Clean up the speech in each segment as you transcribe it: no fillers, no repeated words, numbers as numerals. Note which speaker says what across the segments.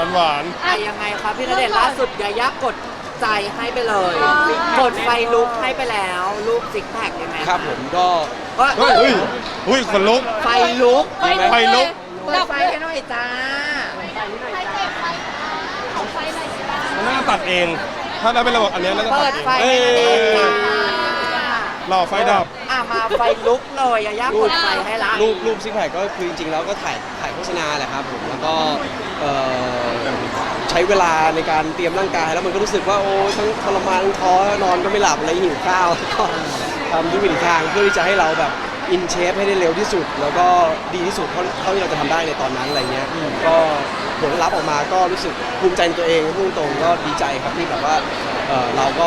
Speaker 1: หวาน
Speaker 2: ยังไงครับพี่ณเดชน์ล่าสุดยายากดใจให้ไปเลย กดไฟลุกให้ไปแล้วรูปซิกแพคยังไง
Speaker 3: ครับผมก็
Speaker 1: เฮ้ยอุ้ยขนลุก
Speaker 2: ไฟลุก
Speaker 1: ไฟลุก
Speaker 2: เปิดไฟให้หน่อยจ้า
Speaker 1: มันน่าตัดเอง ถ้าได้เป็นระบบอันเนี้ยน่าจะตั
Speaker 2: เปิ
Speaker 1: ด
Speaker 2: ด
Speaker 1: เอง
Speaker 2: ไฟให้ณเดชน์จ้าร
Speaker 1: อไฟดับ
Speaker 2: มาไฟลุกเลยยายากดไฟให้ละ
Speaker 3: รูปซิกแพคก็คือจริงๆแล้วก็ถ่ายโฆษณาแหละครับผมแล้วก็ใช้เวลาในการเตรียมร่างกายแล้วมันก็รู้สึกว่าโอ้ทั้งทรมานทั้งท้อนอนก็ไม่หลับอะไรหิวข้าวแล้วก็ทำทุกวิถีทางเพื่อที่จะให้เราแบบอินเชฟให้ได้เร็วที่สุด แล้วก็ดีที่สุดเท่าที่เราจะทำได้ในตอนนั้นอะไรเงี้ยก็ผลลัพธ์ออกมาก็รู้สึกภูมิใจในตัวเองพูดตรงๆก็ดีใจครับที่แบบว่าเราก็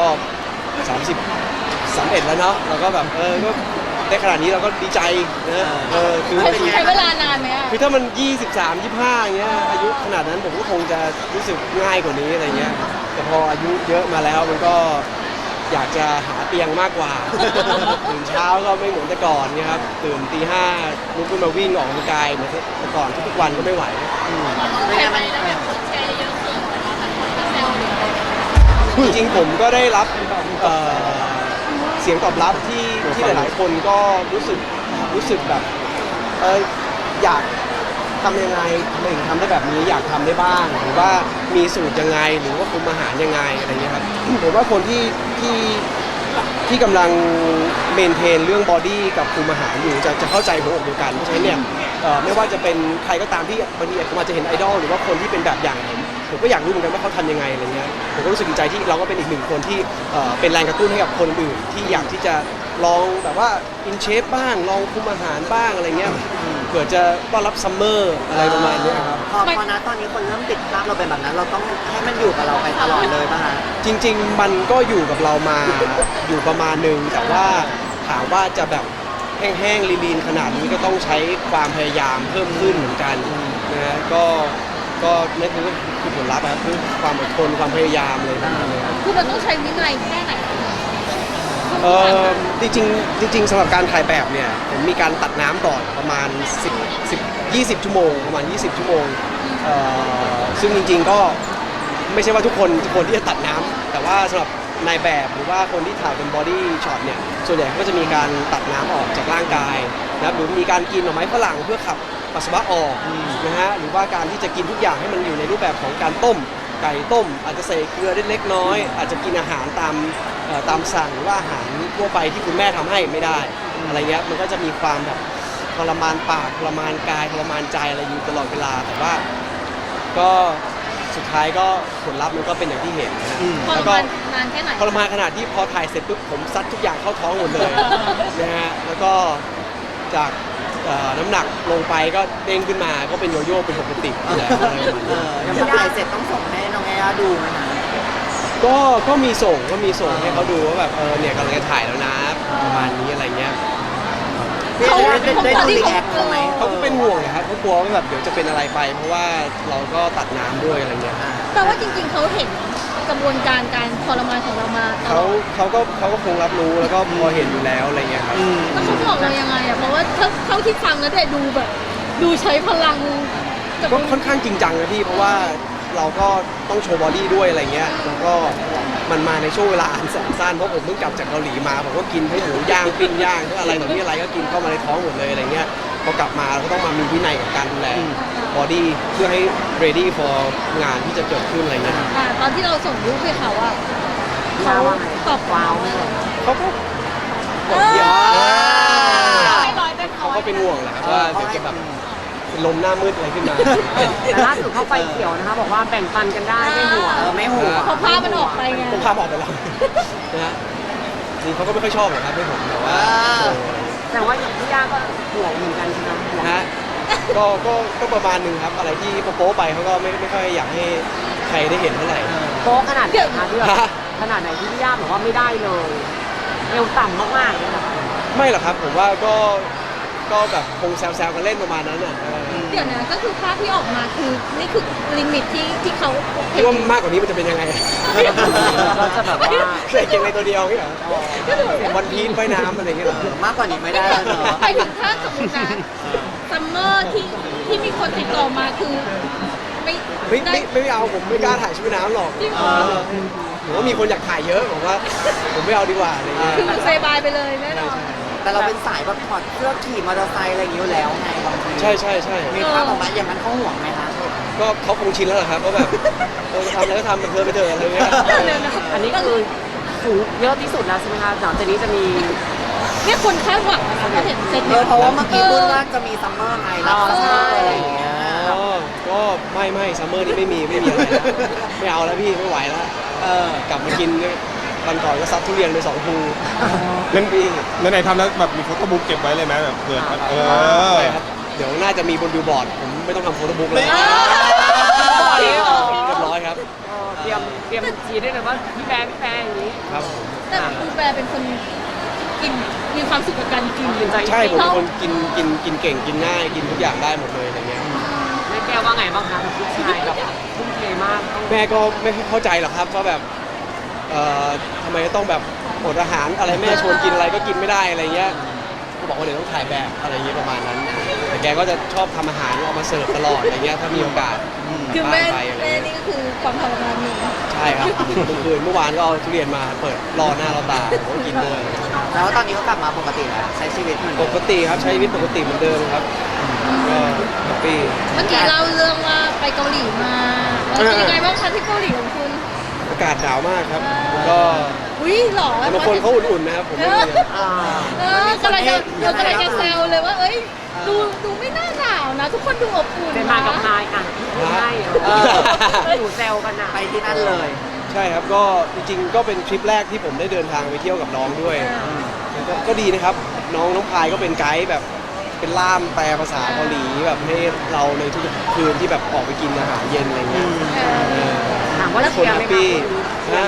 Speaker 3: 31แล้วเนาะเราก็แบบก็ได้ขนาดนี้เราก็ดีใจนะคือ
Speaker 4: ใช้เวลานานไหมอ่ะ
Speaker 3: คือถ้ามัน23 25อย่างเงี้ยอายุขนาดนั้นผมก็คงจะรู้สึกง่ายกว่านี้อะไรเงี้ยแต่พออายุเยอะมาแล้วมันก็อยากจะหาเตียงมากกว่า ตื่นเช้าก็ไม่เหมือนแต่ก่อนเนี่ยครับตื่นตีห้าลุกขึ้นมาวิ่งออกกำลังกายเหมือนแต่ก่อนทุกๆวันก็ไม่ไหว
Speaker 4: แค่ไปแล้วแบบคนแชร์เยอะขึ้นแต่คนก็แซวเลย
Speaker 3: จริงๆผมก็ได้รับเสียงตอบรับที่หลายๆคนก็รู้สึกแบบอยากทำยังไงทำไมถึงทำได้แบบนี้อยากทำได้บ้างหรือว่ามีสูตรยังไงหรือว่าคุมอาหารยังไงอะไรเงี้ยครับ ผมว่าคนที่กำลังเมนเทนเรื่องบอดี้กับคุมอาหารอยู่จะเข้าใจหัวอกเดียวกันเพราะฉะนั้นเนี่ยไม่ว่าจะเป็นใครก็ตามที่บางทีผมอาจจะเห็นไอดอลหรือว่าคนที่เป็นแบบอย่างผมก็อยากรู้เหมือนกันว่าเขาทำยังไงอะไรเงี้ยผมก็รู้สึกดีใจที่เราก็เป็นอีกหนึ่งคนที่เป็นแรงกระตุ้นให้กับคนอื่นที่อยากที่จะลองแบบว่าอินเชฟบ้างลองคุมอาหารบ้างอะไรเงี้ยเผื่อจะต้อนรับซัมเมอร์อะไรประมาณนี้ครับ
Speaker 2: พอนะตอนนี้คนเริ่มติดภาพเราเป็นแบบนั้นเราต้องให้มันอยู่กับเราไปตลอดเลยป่ะคะ
Speaker 3: จริงๆมันก็อยู่กับเรามาอยู่ประมาณหนึ่งแต่ว่าถามว่าจะแบบแห้งๆลีนๆขนาดนี้ก็ต้องใช้ความพยายามเพิ่มขึ้นเหมือนกันนะฮะก็นั่นคือผลลัพธ์นะครับคือความอดทนความพยายามเลยนะครับ
Speaker 4: คือมันต้องใช้วินัยแค่ไหน
Speaker 3: จริงๆสำหรับการถ่ายแบบเนี่ยผมมีการตัดน้ำก่อนประมาณ20 ชั่วโมงประมาณ20 ชั่วโมงซึ่งจริงๆก็ไม่ใช่ว่าทุกคนที่จะตัดน้ำแต่ว่าสำหรับนายแบบหรือว่าคนที่ถ่ายเป็นบอดี้ช็อตเนี่ยส่วนใหญ่ก็จะมีการตัดน้ำออกจากร่างกายนะครับหรือมีการกินหน่อไม้ฝรั่งเพื่อขับปัสสาวะออกนะฮะหรือว่าการที่จะกินทุกอย่างให้มันอยู่ในรูปแบบของการต้มไก่ต้มอาจจะใส่เกลือเล็กน้อยอาจจะกินอาหารตามสั่งหรือว่าอาหารทั่วไปที่คุณแม่ทำให้ไม่ได้อะไรเงี้ยมันก็จะมีความแบบทรมานปากทรมานกายทรมานใจอะไรอยู่ตลอดเวลาแต่ว่าก็สุดท้ายก็ผลลัพธ์มันก็เป็นอย่างที่เห็นนะ
Speaker 4: ทร
Speaker 3: แล้วก็
Speaker 4: มานนานแค่ไหน
Speaker 3: ทรมานขนาดที่พอถ่ายเสร็จปุ๊บผมซัดทุกอย่างเข้าท้องหมดเลยนะฮะแล้วก็จากน้ำหนักลงไปก็เด้งขึ้นมาก็เป็นโยโย่เป็นปกติแล้วอะไรประมาณนี้
Speaker 2: ยังพอถ่ายเสร็จต้องส่งให้น้องแอร์ดูไหมคะ
Speaker 3: ก็มีส่งให้เขาดูว่าแบบเนี่ยกำลังจะถ่ายแล้วนะประมาณนี้อะไรเงี้ย
Speaker 2: ได้ดูรีแอคเขาไหม
Speaker 3: เขาก็เป็นห่วงนะครับเขากลัวว่าแบบเดี๋ยวจะเป็นอะไรไป เพราะว่าเราก็ตัดน้ำด้วยอะไรเงี้ย
Speaker 4: แปลว่าจริงๆเขาเห็นกระบวนการการทรมานของเรามาตล
Speaker 3: เขา
Speaker 4: อด
Speaker 3: เขาก็คงรับรู้แล้วก็พอเห็นอยู่แล้วอะไรเงี้ยครับ
Speaker 4: แล้วเขาบอกเรายังไงอ่ะเพราะว่าเท่าที่ฟังแล้วแต่ดูแบบดูใช้พลังกับ
Speaker 3: ก็ค่อนข้างจริงจังนะพี่เพราะว่าเราก็ต้องโชว์บอดี้ด้วยอะไรเงี้ยแล้วก็มันมาในช่วงเวลาอันแสนสั้นเพราะผมเพิ่งกลับจากเกาหลีมาผมก็กินทั้งหมูย่างปิ้งย่างทั้งอะไรแบบนี้อะไรก็กินเข้ามาในท้องหมดเลยอะไรเงี้ยพอกลับมาเราก็ต้องมามีวินัยกับการดูแลบอดี้เพื่อให้ ready for งานที่จะเกิดขึ้นอะไรเงี้ย
Speaker 4: ตอนที่เราส่งรูปให้เขาอ่ะเขาตอบ
Speaker 2: ว้าวไหม
Speaker 3: เขาก็บอกเยอะเขาก็เป็นห่วงแหละครับว่าเดี๋ยวจะแบบเป็นลมหน้ามืดอะไรขึ้นมา
Speaker 5: แต่ล่าสุดเข้าไฟเขียวนะคะบอกว่าแบ่งปันกันได้ไม่ห่วง
Speaker 2: ไม่หัว
Speaker 4: พอภาพมันออกไปไง
Speaker 3: ผมพาออกไปแล้วนะฮะจริงเขาก็ไม่ค่อยชอบหรอกครับให้ผมแต่ว่า
Speaker 5: แต่ว่าอย่างพี่ย่าก็ห่วงเหมือนกันใช่ไหมห่วง
Speaker 3: ฮะก็ประมาณหนึงครับอะไรที่โป๊ะไปเขาก็ไม่ค่อยอยากให้ใครได้เห็นเท่าไหร่
Speaker 5: โป๊ขนาดไหนคะที่แบบขนาดไหนที่พี่ย่าบอกว่าไม่ได้เลยเอวต่ำมากๆเลยนะคะ
Speaker 3: ไม่หรอกครับผมว่าก็แบบคงแซวๆกันเล่นประมาณนั้นอ่ะ
Speaker 4: เดี๋ยวนะก็คือภาพที่ออกมาคือนี่คือลิมิตที่เขาโอเค
Speaker 3: คิดว่ามากกว่านี้มันจะเป็นยังไง
Speaker 5: เราจะแบบว่า
Speaker 3: ใส่เกงในตัวเดียวนี่เหรอวันพีนว่ายน้ำอะไรอย่างเงี้ยเหรอ
Speaker 2: มากกว่านี้ไม่ได้แล้วเนาะ
Speaker 4: ไปถึงถ้าสมมตินะซัมเมอร์ที่มีคนติดต่อมาคือ
Speaker 3: ไม่เอาผมไม่กล้าถ่ายชุดว่ายน้ำหรอก
Speaker 4: จริงเหรอ
Speaker 3: ผมว่ามีคนอยากถ่ายเยอะผมว่าผมไม่เอาดีกว่าอะไรเงี้ย
Speaker 4: คือเซบายไปเลยแน่นอน
Speaker 2: แต่เราเป็นสายแบบถอดเสื้อขี่มอเตอร์ไซค์อะไรอย่างนี้อยู่แล้วไงบางที
Speaker 3: ใช่
Speaker 2: มีภาพออกมาอย่างนั้นเขาห่วงไหมคะ
Speaker 3: ก็เขาคงชินแล้วแหละครับว่าแบบทำอะไรก็ทำแบบไปเถอะอะไรเงี้ย
Speaker 5: อันนี้คือสูงเยอะที่สุดแล้วใช่ไหมคะหลังจากนี้จะมี
Speaker 4: เนี่ยคนคาดหวังนะคะพอเห็นเซต
Speaker 2: เพราะว่าเมื่อกี้พูดว่าจะมีซัมเมอร์ไงแล้วก็อะไรอย่างเงี้ย
Speaker 3: อ๋อก็ไม่ซัมเมอร์นี่ไม่มีอะไรแล้วไม่เอาแล้วพี่ไม่ไหวแล้วกลับมากินวันก่อนก็ซัดทุเรียนไป2 ภู
Speaker 1: นั่นไหนๆทำแล้วแบบมีโฟโต้บุ๊กเก็บไว้เลยไหมแบบเผื่อ
Speaker 3: ใช่ครับเดี๋ยวน่าจะมีบนบิลบอร์ดผมไม่ต้องทำโฟโต้บุ๊กเลยเรียบร้อยครับ
Speaker 5: เตรียมจีได้เลยว่าพี่แบร์อย่างนี้
Speaker 3: ครับ
Speaker 4: แต่คุณแปรเป็นคนกินมีความสุขกับการกิน
Speaker 3: ใช่ผมเป็นคนกินเก่งกินง่ายกินทุกอย่างได้หมดเลยอะไรเงี้ย
Speaker 5: แม่แก้วว่าไงบ้างคะลูกชายแบบทุ่มเทมากต้อง
Speaker 3: แม่ก็ไม่เข้าใจหรอกครับว่าแบบทำไมต้องแบบอดอาหารอะไรแม่ชวนกินอะไรก็กินไม่ได้อะไรเงี้ยก็บอกว่าเดี๋ยวต้องถ่ายแบบอะไรเงี้ยประมาณนั้น แต่แกก็จะชอบทำอาหารเอามาเสิร์ฟตลอดอะไรเงี้ยถ้ามีโอกาส
Speaker 4: คือแม่
Speaker 3: ไปอะไร
Speaker 4: แม่
Speaker 3: เงี้ย
Speaker 4: นี่ก็คือความทรมานหนึ่ง
Speaker 3: ใช่ครับเมื่อวานก็เอาทุเรียนมาเปิดรอหน้ารอตาผมก็กินด้วย
Speaker 2: แล้วตอนนี้ก็กลับมาปกติแล้วใช้ชีวิตเหมือน
Speaker 3: ป
Speaker 2: เดิม
Speaker 3: กติครับใช้ชีวิตปกติเหมือนเดิมครับก็แฮปปี้
Speaker 4: เมื่อกี้เล่าเรื่องว่าไปเกาหลีมาแล้วเป็นยังไงบ้างคะที่เกาหลีของคุณ
Speaker 3: อากาศหนาวมากครับก็
Speaker 4: อุ้ยหรอ
Speaker 3: แต่บางคนเขาอุ่นๆนะครับผมไม่มี
Speaker 4: กำลังจะแซวเลยว่าเอ้ยดูไม่น่าหนาวนะ ทุกคนดูอบอุ่น
Speaker 5: เป็นมากับพายอ่ะใช่หนูแซวกันอ่ะ
Speaker 2: ไปที่นั่นเลย
Speaker 3: ใช่ครับก็จริงๆก็เป็นทริปแรกที่ผมได้เดินทางไปเที่ยวกับน้องด้วยก็ดีนะครับน้องพายก็เป็นไกด์แบบเป็นล่ามแปลภาษาเกาหลีแบบให้เราในทุกๆคืนที่แบบออกไปกินอาหารเย็นอะไรเงี้ย
Speaker 5: ถามว่าเชียร์ไหมคะ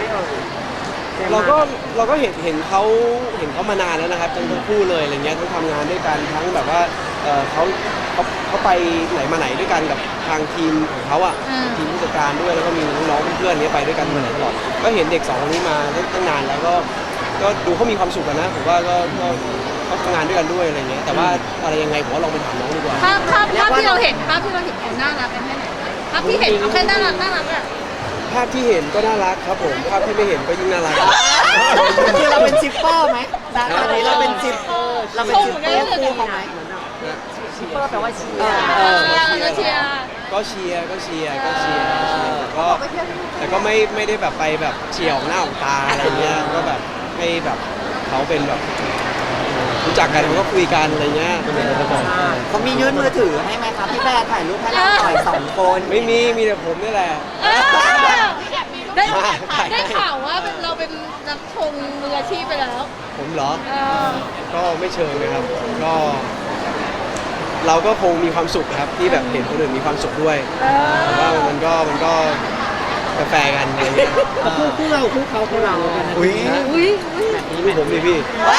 Speaker 3: เราก็เห็นเขามานานแล้วนะครับทั้งคู่เลยอะไรเงี้ยทั้งทำงานด้วยกันทั้งแบบว่าเขาไปไหนมาไหนด้วยกันกับทางทีมของเขาอ่ะทีมผู้จัดการด้วยแล้วก็มีน้องๆเพื่อนๆนี้ไปด้วยกันมาไหนตลอดก็เห็นเด็ก2 คนนี้มาตั้งนานแล้วก็ดูเขามีความสุขกันนะผมว่าก็เขาทำงานด้วยกันด้วยอะไรเงี้ยแต่ว่าอะไรยังไงผมว่าลองไปถามน้องดีกว่า
Speaker 4: ภาพที่เราเห็นเขาน่ารักกันแค่ไหนภาพที่เห็นเขาแค่น่ารักอะ
Speaker 3: ภาพที่เห็นก็น่ารักครับผมภาพที่ไม่เห็นก็ยิ่งน่ารัก
Speaker 2: คือเราเป็นชิปเปอร์ไหมตอนนี้เราเป็นชิปเราเป็นชิปเปอร์คู่เขาไหม
Speaker 5: ชิปเปอร์แปลว่าเชีย
Speaker 4: เชียร์เชียร์
Speaker 3: ก็เชียร์แต่ก็ไม่ได้แบบไปแบบเฉี่ยวหน้าของตาอะไรเงี้ยก็แบบให้แบบเขาเป็นแบบรู้จักกันเขาก็คุยกันอะไรเงี้ยเป็นอย่างนั้นก่อน
Speaker 2: เขามียื่นมือถือให้ไหมครับพี่แบร์ถ่ายรูปให้เราหน่อย2 คน
Speaker 3: ไม่มีแต่ผมนี่แหละ
Speaker 4: ได้ข่าวว่าเราเป็นนักชงมืออาชีพไปแล้ว
Speaker 3: ผมเหรอก็ไม่เชิงนะครับก็เราก็คงมีความสุขครับที่แบบเห็นคนอื่นมีความสุขด้วยแต่ว่ามันก็แฟร์กันอะไรเงี้ย
Speaker 2: คู่เรากัน
Speaker 3: อุ้ย
Speaker 4: อุ้ย
Speaker 3: ดูผมดิพี่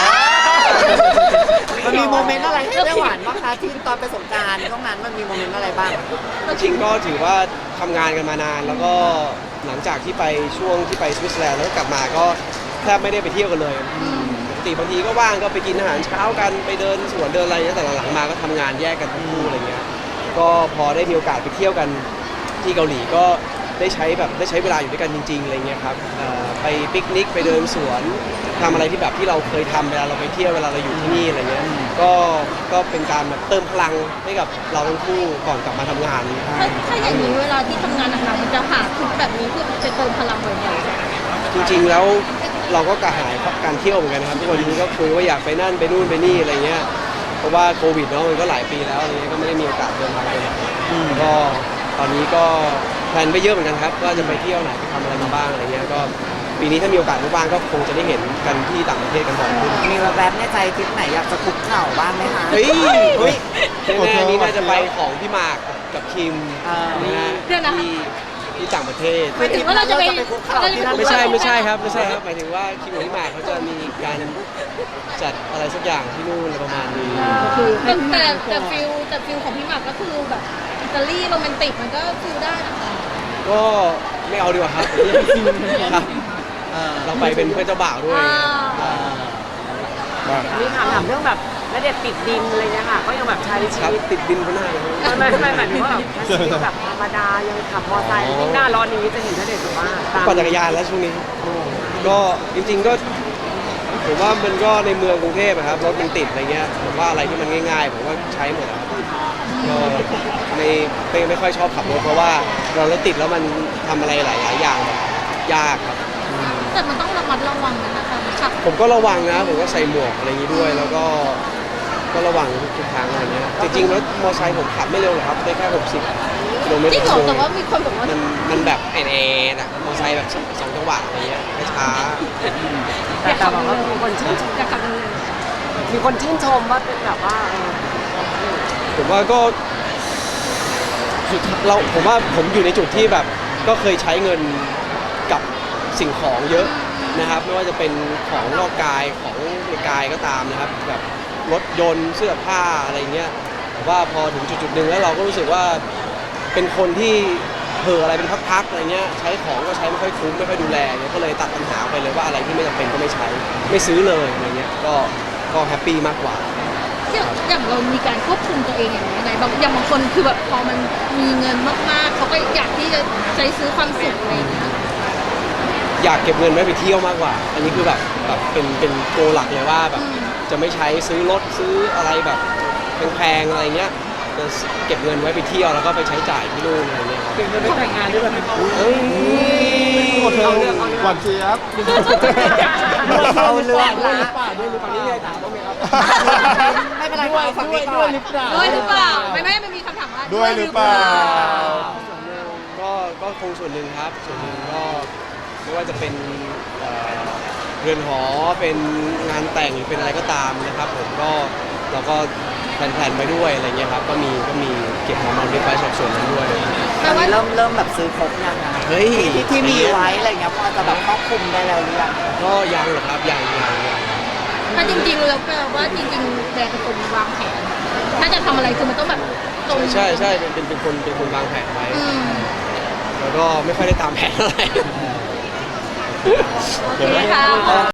Speaker 2: มันมีโมเมนต์อะไรให้ได้หวานบ้างคะที่ตอนไปสงกรานต์ช่วงนั้นมันมีโมเมนต์อะไรบ้าง
Speaker 3: จริงก็ถือว่าทำงานกันมานานแล้วก็หลังจากที่ไปช่วงที่ไปสวิตเซอร์แลนด์แล้วก็กลับมาก็แทบไม่ได้ไปเที่ยวกันเลยปกติบางทีก็ว่างก็ไปกินอาหารเช้ากันไปเดินสวนเดินอะไรเงี้ยแต่หลังๆมาก็ทำงานแยกกันทั้งคู่อะไรเงี้ยก็พอได้มีโอกาสไปเที่ยวกันที่เกาหลีก็ได้ใช้เวลาอยู่ด้วยกันจริงๆอะไรเงี้ยครับไปปิกนิกไปเดินสวนทำอะไรที่แบบที่เราเคยทำเวลาเราไปเที่ยวเวลาเราอยู่ที่นี่อะไรเงี้ยก็เป็นการแบบเติมพลังให้กับเราทั้งคู่ก่อนกลับมาทำงาน
Speaker 4: ถ้าอย่างนี้เวลาที่ทำงานหนักๆมันจะหาทริปแบบนี้เพื่อจะเติมพลังบ่อย
Speaker 3: จริงๆแล้วเราก็กระหายการเที่ยวเหมือนกันนะครับทุกวันนี้ก็คุยว่าอยากไปนั่นไปนู่นไปนี่อะไรเงี้ยเพราะว่าโควิดเนาะมันก็หลายปีแล้วอะไรเงี้ยก็ไม่ได้มีโอกาสเดินทางไปไหนก็ตอนนี้ก็แพลนไปเยอะเหมือนกันครับว่าจะไปเที่ยวไหนไปทำอะไรมาบ้างอะไรเงี้ยก็ปีนี้ถ้ามีโอกาสว่างๆก็คงจะได้เห็นกันที่ต่างประเทศกันบ่อยขึ้น
Speaker 2: มีแวบๆในใจทริปไหนอยากจะคุกเข่าบ้างไหมคะ
Speaker 3: เฮ้ยแน่ๆนี่น่าจะไปของพี่หมากกับคิมนะฮะที่ต่างประเทศ
Speaker 4: ๆหมายถึงว่าเราจะไป
Speaker 2: คุกเข่าที่นั่น
Speaker 3: ไม่ใช่ครับหมายถึงว่าคิมกับพี่หมากเขาจะมีการจัดอะไรสักอย่างที่นู่นอะไรประมาณนี้
Speaker 4: แต่ฟิลของพี่หมากก็คือแบบอิตาลีโรแมนติกมันก็ฟิลได้นะคะ
Speaker 3: ก็ไม่เอาดีกว่าครับครับเราไปเป็นเพื่อนเจ้าบ่าวด้วย
Speaker 5: มีถามเรื่องแบบณเดชน์ติดดินอะไรเนี่ยค่ะก็ยังแบบใช้ชี
Speaker 3: ครับ
Speaker 5: วิต
Speaker 3: ติดดินเขาหน้าเลย
Speaker 5: ไม่หมายถึงว่าแบบใช้ชีวิตแบบธรรมดายังขับมอเตอร์ไซค์ยิ่งหน้าร้อนนี้จะเห็นณเดชน์แบบว่าตาม
Speaker 3: ปั่นจักรยานแล้วช่วงนี้ ก็จริงๆก็ผมว่ามันก็ในเมืองกรุงเทพอะครับรถมันติดอะไรเงี้ยผมว่าอะไรที่มันง่ายๆผมว่าใช้หมดอะครับก็ไม่ค่อยชอบขับรถเพราะว่าเรารถติดแล้วมันทำอะไรหลายๆอย่างแบบยากครับ
Speaker 4: แต่มันต้องระมัดระวังนะคะขับ
Speaker 3: ผมก็ระวังนะผมก็ใส่หมวกอะไรอย่างนี้ด้วย แล้วก็ระวังทุกทางอะไรเงี้ยจริงๆรถมอเตอร์ไซค์ผมขับไม่เร็วหรอกครับได้แค่60 กิโลเมตร
Speaker 4: จริง
Speaker 3: ต่อ
Speaker 4: เหรอ
Speaker 3: ชั่วโม
Speaker 4: แต่
Speaker 3: ง
Speaker 4: ว่ามีคนบอกว่า
Speaker 3: มันแบบแอนอะมอเตอร์ไซค์แบบสองจังหวะอะไรเงี้ยช้า
Speaker 5: แต่แบบว่ามีคนชื่นชม
Speaker 4: อยากขับเร็ว
Speaker 5: มีคนชื่นชมว่าเป็นแบบว่า
Speaker 3: ๆผมว่าก็ผมว่าผมอยู่ในจุดที่แบบก็เคยใช้เงินกับสิ่งของเยอะนะครับไม่ว่าจะเป็นของนอกกายของในกายก็ตามนะครับแบบรถยนต์เสื้อผ้าอะไรเงี้ยแต่ว่าพอถึงจุดๆหนึ่งแล้วเราก็รู้สึกว่าเป็นคนที่เผลออะไรเป็นพักๆอะไรเงี้ยใช้ของก็ใช้ไม่ค่อยคุ้มไม่ค่อยดูแลเงี้ยก็เลยตัดปัญหาไปเลยว่าอะไรที่ไม่จำเป็นก็ไม่ใช้ไม่ซื้อเลยอะไรเงี้ยก็แฮปปี้มากกว่า
Speaker 4: ๆอย่างเรามีการควบคุมตัวเองอย่างไรบางอย่างบางคนคือแบบพอมันมีเงินมากๆเขาก็อยากที่จะใช้ซื้อความสุขอะไรอย่างเงี้ย
Speaker 3: อยากเก็บเงินไว้ไปเที่ยวมากกว่า อันนี้คือแบบเป็นโกหลักเลยว่าแบบจะไม่ใช้ซื้อรถซื้ออะไรแบบแพงๆอะไรเงี้ยจะเก็บเงินไว้ไปเที่ยวแล้วก็ไปใช้จ่ายที่นู่นอะไรเงี้ยครับ
Speaker 5: เก่งจะไม่แต่งงานด้วยแบบ
Speaker 3: เฮ้ย
Speaker 1: โอเคหวานเจี๊ยบ
Speaker 2: เอาเรื่องละ
Speaker 3: ฝั่งนี้ไงถามบ้างไหมครับ
Speaker 2: ไม่เป็นไรค่ะเอาฝั่งนี้ก่อน
Speaker 4: ด้วยหรือเปล่าไม่มันมีคำถามว่า
Speaker 1: ด้วยหรือเปล่า
Speaker 3: ก็คงส่วนหนึ่งครับส่วนหนึ่งก็ไม่ว่าจะเป็นเรือนหอเป็นงานแต่งหรือเป็นอะไรก็ตามนะครับผมก็เราก็แพลนๆไปด้วยอะไรเงี้ยครับก็มีเก็บหอมรอมริบไว้ส่วนนั้นด้วย
Speaker 2: ตอนนี้เริ่มแบบซื้อครบยังอะ
Speaker 3: เฮ้ย
Speaker 2: ที่มีไว้อะไรเงี้ยพอจะแบบครอบคลุมได้แล้วหรือยัง
Speaker 3: ก็ยังหรอกครับยัง
Speaker 4: ถ้าจริงๆแล้วแปลว่าจริงๆแบรนด์เป็นคนวางแผนถ้าจะทำอะไรคือมันต้องแบบตรง
Speaker 3: ใช่เป็นคนวางแผนไว้
Speaker 4: อืม
Speaker 3: แล้วก็ไม่ค่อยได้ตามแผนอะไร
Speaker 4: โอเคค่ะ